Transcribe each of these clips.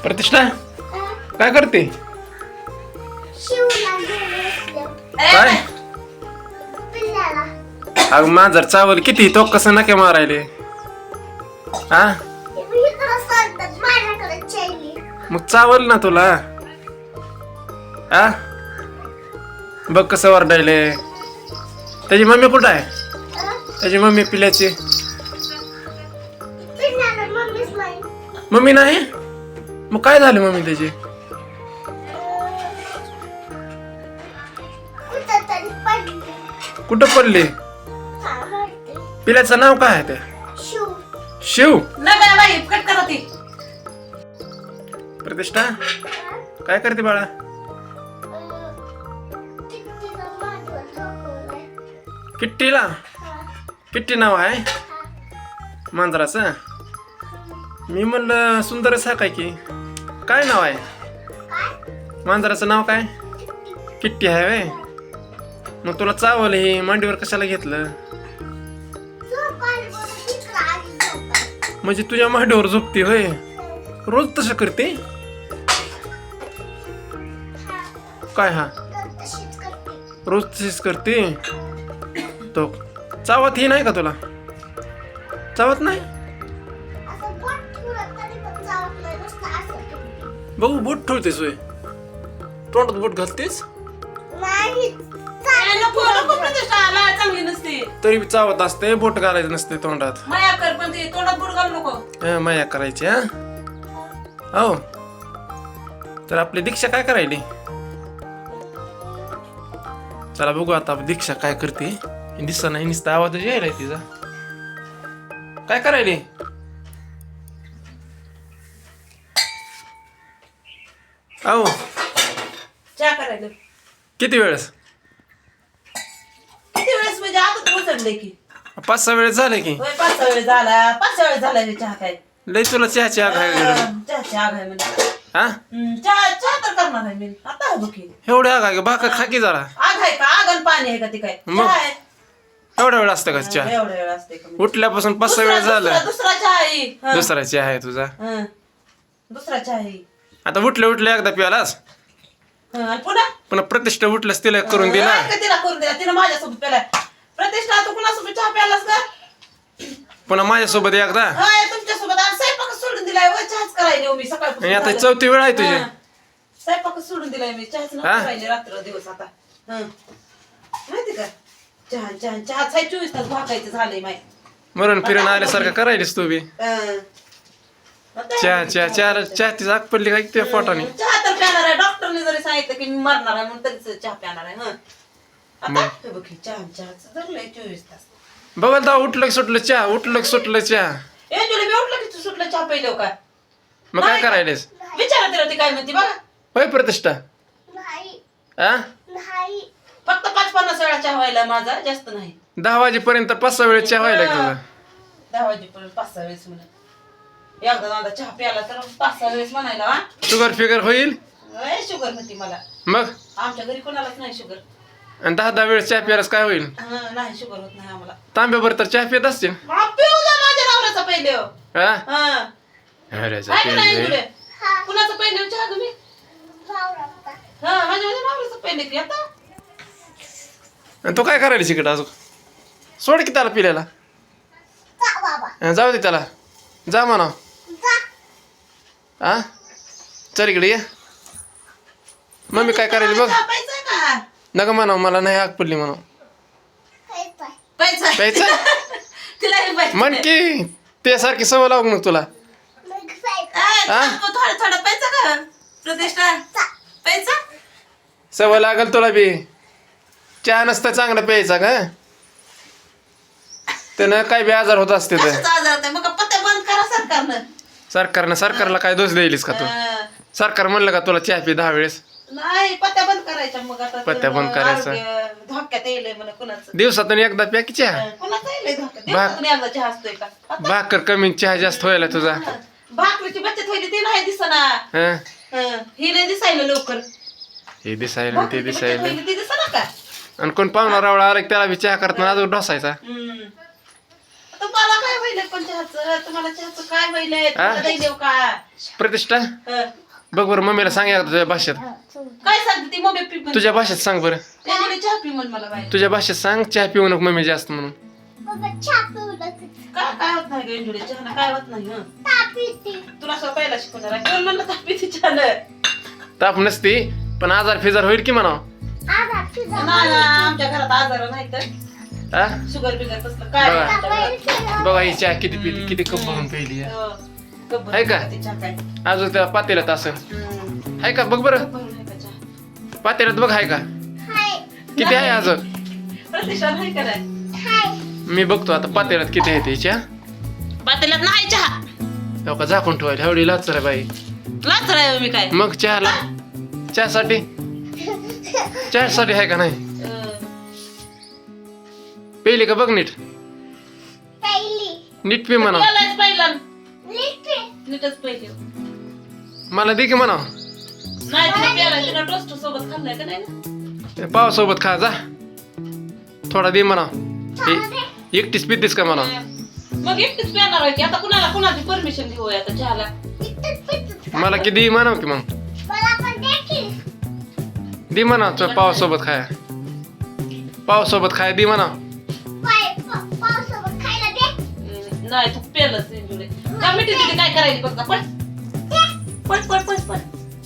प्रतिष्ठा काय करते? काय अग माझर चावल किती तो कसं नके मारायले हा मग चावल ना तुला हा बघ कसं वरडायले. त्याची मम्मी कुठं आहे? त्याची मम्मी पिल्याची मम्मी नाही. मग काय झालं मम्मी त्याची? कुठं पडली? पिल्याचं नाव काय आहे ते? शिव. प्रतिष्ठा काय करते बाळा? किट्टीला किट्टी नाव आहे मांजराचं. मी म्हणलं सुंदरच हा काय की काय नाव आहे मांजराचं नाव काय? किट्टी आहे वे. मग तुला चावलं हे मांडीवर कशाला घेतलं? म्हणजे तुझ्या मांडीवर झोपते होय? रोज तसं करते काय? हा रोज तशीच करते. तो चावत ही नाही का तुला? चावत नाही? बघू बोट ठेवतेस होय? तोंडात बोट घालतेस तरी चावत असते. बोट घालायचं नसते तोंडात. माया करायची हा. हो तर आपली दीक्षा काय करायली? चला बघू आता दीक्षा काय करते. दिसा नाही नुसता आवाज यायलाय तिचा. काय करायली? अहो चहा करायला किती वेळेस? किती वेळेस म्हणजे आता तर उचलले की 5-6 वेळेस झाले की. 5-6 वेळेस झाला. 5-6 वेळेस झाला हे चहा काय. लय तुला चहाची आग आहे चहाची आग आहे म्हणजे हा? चहा चहा तर करणार आहे मी आता आहे बघी. एवढी आग आहे भाकर खा की जरा. आग आहे का? आग आणि पाणी आहे का? ती काय मग? चहा आहे. एवढा वेळ असतं का चहा? एवढा वेळ असते का? उठल्यापासून 5-6 वेळेस झालं. दुसरा चहा आहे. दुसरा चहा आहे तुझा. दुसरा चहा आहे. आता उठल्या एकदा प्यालास आणि पुन्हा पुन्हा प्रतिष्ठा उठल्यास तिला करून दिला. तिला करून दिला. तिला माझ्यासोबत प्याला. प्रतिष्ठा तू कुणासोबत चहा प्यालास का? पुन्हा माझ्यासोबत एकदा. होय तुमच्यासोबत आज स्वयंपाक सोडून दिलाय. चहाच करायला मी सकाळपासून. आणि आता 4थी वेळ आहे तुझी. स्वयंपाक सोडून दिलाय मी. चहाच राहिले रात्र दिवस आता. माहिती का? चहा चहा चहा 24 तास भाकायचं झालंय माहिती. मरून फिरून आल्यासारखं करायलीस तू बी. चहा तिचा आग पडली काय त्या पोटाने. चहा तर प्याणार आहे. डॉक्टरने जरी सांगितलं की मी मरणार आहे म्हणून तरीच चहा प्याणार आहे. आता बघ चहाचं धरलंय 24 तास. बघल तर उठलं की सुटलं चहा. उठलं की सुटलं चहा. जुले मी उठलं की सुटलं चहा पहिलं काय? मग काय करायलेस? विचारा तिला ती काय म्हणते बघा. होय प्रतिष्ठा हा? फक्त 5-50 वेळा चहा व्हायला माझा जास्त नाही. 10 वाजेपर्यंत 5-6 वेळेस चहा व्हायला तुला. 10 वाजेपर्यंत 5-6 वेळेस म्हणा. एकदा दादा चहा प्याला तर 5-6 वेळेस म्हणायला. शुगर फिगर होईल? शुगर होती मला. मग आमच्या घरी कोणालाच नाही शुगर. आणि 10 वेळेस चहा प्यायलास काय होईल? नाही शुगर होत नाही आम्हाला. तांब्याभर तर चहा पित असतील. पिऊ जा माझ्या नवऱ्याचा पहिले. हा? कुणाचं पहिले चहा तुम्ही? माझ्या नवऱ्याचं पहिले की आता. आणि तो काय करायला शिकत अजून? सोड की त्याला पिल्याला. जाऊ दे त्याला. जा म्हणा. हा चल इकडे ये. मम्मी काय करायली बघ. नका म्हणा मला नाही आग पडली म्हणा. प्यायचं म्हण की त्यासारखी सवय लावू मग तुला. थोडं थोडं प्यायचं का प्रतिष्ठा? प्यायचं सवय लागल तुला बी. चहा नसतं चांगलं प्यायचा का? त्यानं काय बी आजार होत असते. मग पत्ते बंद करा सरकारनं. सरकारला काय दोष द्यायलीस का तू? सरकार म्हणलं का तुला चहा पी 10 वेळेस? नाही पत्त्या बंद करायच्या. मग आता पत्त्या बंद करायचं. धोक्यात येईल म्हणा कुणाचं. दिवसातून एकदा प्या की चहा. कुणाचं येईल धोक्यात? दिवसातून एकदा चहा असतोय का? भाकर कमी चहा जास्त व्हायला तुझा. भाकरीची बचत व्हायची ती नाही दिसना. ही नाही दिसायला लवकर. हे दिसायला ते दिसायला. ती दिसना का? आणि कोण पाहुणा रावळा आला त्याला बी चहा करताना अजून ढोसायचा. तुम्हाला काय व्हायलंय पण चहाचं? तुम्हाला चहाचं काय व्हायलंय? तुम्हाला नाही देऊ का? प्रतिष्ठा हं. बघ बरं मम्मीला सांग एकदा तुझ्या भाषेत. काय सांगते ती मम्मी पी म्हण. तुझ्या भाषेत सांग बरं. त्यामुळे चहा पी म्हण मला बाई. तुझ्या भाषेत सांग चहा पिऊ नको मम्मी जास्त म्हणून. काय होत नाही गे चहा काय होत नाही हं. तुला असं पहिला शिकवणार आहे. कोण म्हणलं तापी ती चहा? ताप नसती पण आजार फिजार होईल की म्हणावं. नाही ना, आमच्या घरात आजार नाही तर हा शुगर बिगर तसलं काय नाही आमच्या घरात. बघा ही चहा किती पिली किती कप भरून पिली आहे. हो. कप भरून आहे का? ती चहा काय. अजून त्या पातेल्यात असं हं. आहे का बघ बरं. कप भरून आहे का चहा? पातेल्यात बघ आहे का किती आहे अजून. प्रतिष्ठा नाही का नाही? मी बघतो आता पातेल्यात किती आहे ते चहा. पातेल्यात नाही चहा. हो का झाकून ठेवायला एवढी लाच रे बाई. लाच राहावं मी काय. मग चहाला चहासाठी चहासाठी आहे का नाही. पेली का बघ नीट नीट पी म्हणा. प्यायलाच पहिला. नीटच पहिले. मला दे की म्हणा. नाही तिने प्यायला तिने टोस्ट सोबत खाल्लाय का नाही ना? पावासोबत खा जा थोडा दे म्हणा. एकटीच पितीस का म्हणा. मग एकटीच प्याणार आहे की आता कुणाची परमिशन घेऊ आता चहाला. मला की दे म्हणा की मग दे म्हणा पावासोबत खाया पावासोबत खाया दे म्हणा. नाही तू पेलच इंजुळे का मिठी तिथे काय करायची बघ का पट पट पट पट पट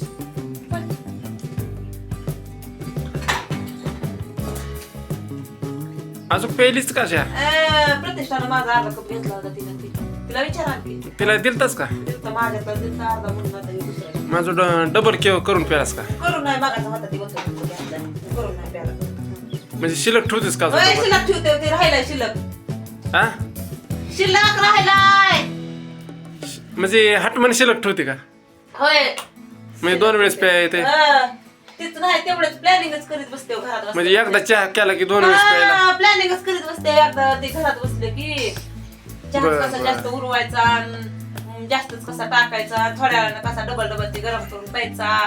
अजून पेलीच का चहा. प्रतिष्ठानं माझा अर्धा कप घेतला होता तिला विचारा की तिला दिलतास का. दिलता माझ्याकडे दिलता अर्धा म्हणून आता हे दुसरा माझं डबल केव करून प्यालास का. करून नाही मागाचा होता ती बघतो करून नाही प्याला. म्हणजे शिल्लक ठेवतेस का होय अजून. शिल्लक ठेवते ते राहिलाय शिल्लक हा शिल्लक राहिलाय. म्हणजे हटमन शिल्लक ठेवते का. होय म्हणजे 2 वेळेस प्या येते. तिथं नाही तेवढंच प्लॅनिंगच करीत बसते हो घरात म्हणजे एकदा चहा केला की 2 वेळेस प्यायला. प्लॅनिंगच करीत बसते एकदा ते घरात बसले की चहा बरं, कसा बरं. जास्त उरवायचा अन जास्तच कसा टाकायचा थोड्या वेळानं कसा डबल डबल ते गरम करून प्यायचा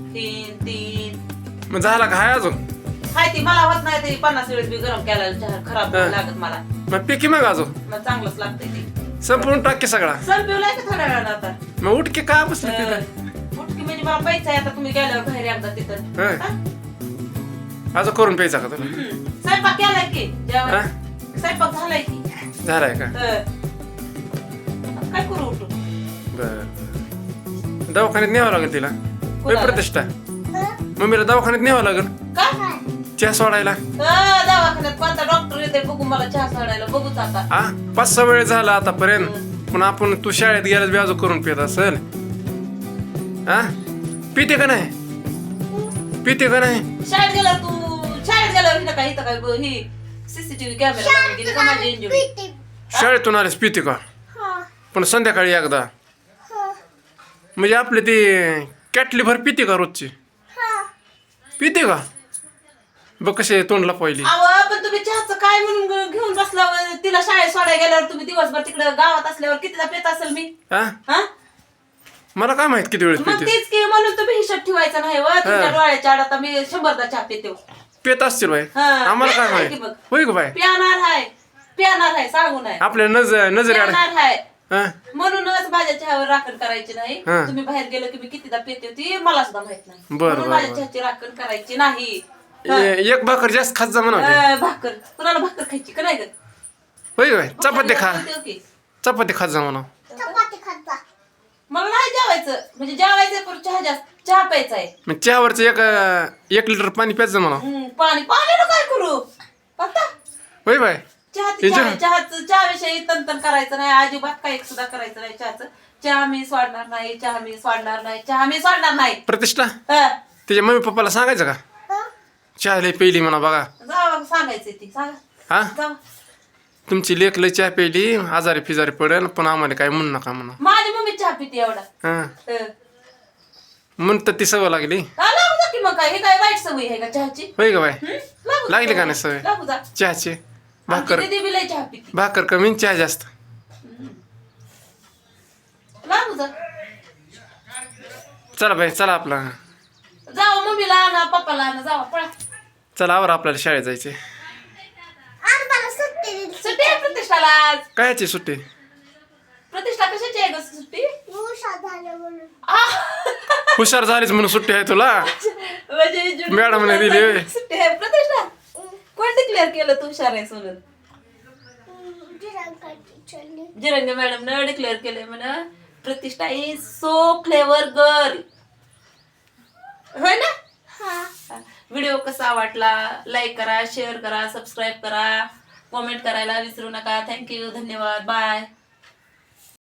3 मग झाला का हाय अजून. हाय ती मला होत नाही ते 50 वेळेस बी गरम केला चहा खराब हा. लागत मला मग पिकी मग अजून मग चांगलंच लागतंय ते संपूर्ण टाके सगळा. सर पिवलाय का थोड्या वेळानं आता मग उठके का बसले तिथं. उठकी म्हणजे मला प्यायचा आहे आता तुम्ही गेल्यावर बाहेर एकदा तिथं होय. हा? अजून करून प्यायचा का तुला. स्वयंपाक केलाय की हा? जेवण स्वयंपाक झालाय की झालाय का. काय करू उठू बर दवाखान्यात न्यावं लागेल तिला. होय प्रतिष्ठा मम्मीला दवाखान्यात न्यावं लागेल का चहा सोडायला. दवाखान्यात कोणता डॉक्टर येते बघू मला चहा सोडायला बघूच आता हा 5-6 वेळ झाला आतापर्यंत पण आपण तू शाळेत गेल्यास व्याज करून पित असेल. हा पिते का नाही पिते का नाही. शाळेत गेल्यावर हिला काय इथं काय ही सीसीटीव्ही कॅमेरा गेली का माझी इंजुरी शाळेतून आलेस पिते का पण संध्याकाळी एकदा. म्हणजे आपली ती कॅटली भर पिते का रोजची पिते का. बघ कसे तोंडला पहिली. अहो पण तुम्ही चहाचं काय म्हणून घेऊन बसला तिला शाळेत सोडायला गेल्यावर तुम्ही दिवसभर तिकडे गावात असल्यावर कितीदा पेत असेल मी हा हा मला काय माहित किती वेळेस मग पिते. तेच की म्हणून तुम्ही हिशोब ठेवायचा नाही व तुमच्या डोळ्याच्या आड आता मी 100दा चहा पिते पेत असतील बाई हा, आम्हाला काय पेत आहे की माहित. बघ. होय का बाई प्यानार आहे सांगू नाही आपल्या नजरे आड. प्यानार आहे हा म्हणूनच माझ्या चहावर राखण करायची नाही हा. तुम्ही बाहेर गेलो की मी कितीदा पेते होती मला सुद्धा माहित नाही बरं, म्हणून बरं, माझ्या बरं. चहाची राखण करायची नाही हा. एक भाकर जास्त खात जा म्हणा. भाकर कुणाला भाकर खायची का नाही ग होय का बाई चपाती खा भाकर होती की. चपाती खात जा म्हणा. मला नाही जेवायचं म्हणजे जेवायचं पण चहा जास्त चहा प्यायचा आहे मग चहावरचं 1 लिटर पाणी प्यायचं म्हणा. पाण्याला काय करू पत्ता होय बाय चहाविषयी तंतन करायचं नाही अजिबात काही सुद्धा करायचं नाही चहाचं चहा मी सोडणार नाही चहा मी सोडणार नाही चहा मी सोडणार नाही. प्रतिष्ठा हा. तिच्या मम्मी पप्पाला सांगायचं का चहा लय पहिली म्हणा बघा. जावा सांगायचं ती सांगा हा जावा तुमची लेक लय चहा प्यायली आजारी फिजारी पडेल पण आम्हाला काय म्हणू नका म्हणा. माझी मम्मी चहा पिते एवढा हा म्हणतात ती सवय लागली. लागू जा की मग काय हे काय वाईट सवय आहे का चहाची होय का बाय लागू जा. लागली का नाही सवय लागू जा चहाची. भाकर आमची दीदी बी लय चहा पिते भाकर कमी आणि चहा जास्त. लागू जा चला बाई चला आपला जावा मम्मीला आणा पप्पाला आणा जावा पळा चला आवर आपल्याला शाळेत जायचे. सुट्टी आहे प्रतिष्ठा प्रतिष्ठाला आज. कायची सुट्टी? प्रतिष्ठा कशाची आहे ग सुट्टी? हुशार झालीच म्हणून सुट्टी आहे तुला? म्हणजे मॅडमने दिली होय. सुट्टी आहे प्रतिष्ठा. कोण डिक्लेअर केलं तू हुशार आहे सोनल? जिरंगे मॅडम न डिक्लेअर केलंय म्हणा प्रतिष्ठा इज सो क्लेवर गर्ल. होय ना? व्हिडिओ कसा वाटला लाईक करा, शेअर करा, सबस्क्राईब करा, कमेंट करायला विसरू नका. थँक्यू, धन्यवाद, बाय.